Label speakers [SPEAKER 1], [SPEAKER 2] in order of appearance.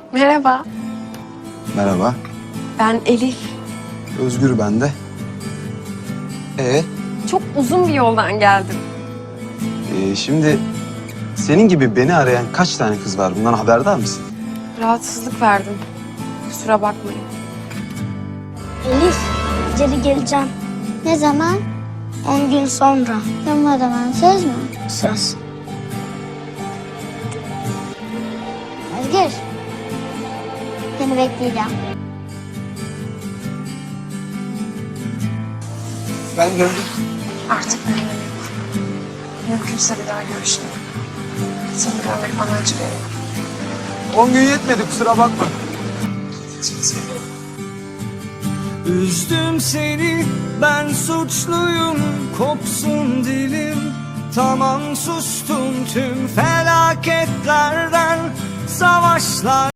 [SPEAKER 1] Merhaba,
[SPEAKER 2] Merhaba.
[SPEAKER 1] ben Elif.
[SPEAKER 2] Özgür ben de.
[SPEAKER 1] Çok uzun bir yoldan geldim.
[SPEAKER 2] Şimdi senin gibi beni arayan kaç tane kız var? Bundan haberdar mısın?
[SPEAKER 1] Rahatsızlık verdim. Kusura bakmayın.
[SPEAKER 3] Elif, geri geleceğim. Ne zaman? 10 gün sonra. Tamam o zaman, söz mü? Söz. Özgür. Seni bekleyeceğim.
[SPEAKER 2] Ben gördüm.
[SPEAKER 1] Artık benim yok. Mümkünse bir daha görüşelim. Seni görmek bana acı veriyor.
[SPEAKER 2] 10 gün yetmedi, kusura bakma.
[SPEAKER 4] Üzdüm seni, ben suçluyum, kopsun dilim. Tamam sustum tüm felaketlerden, savaşlar.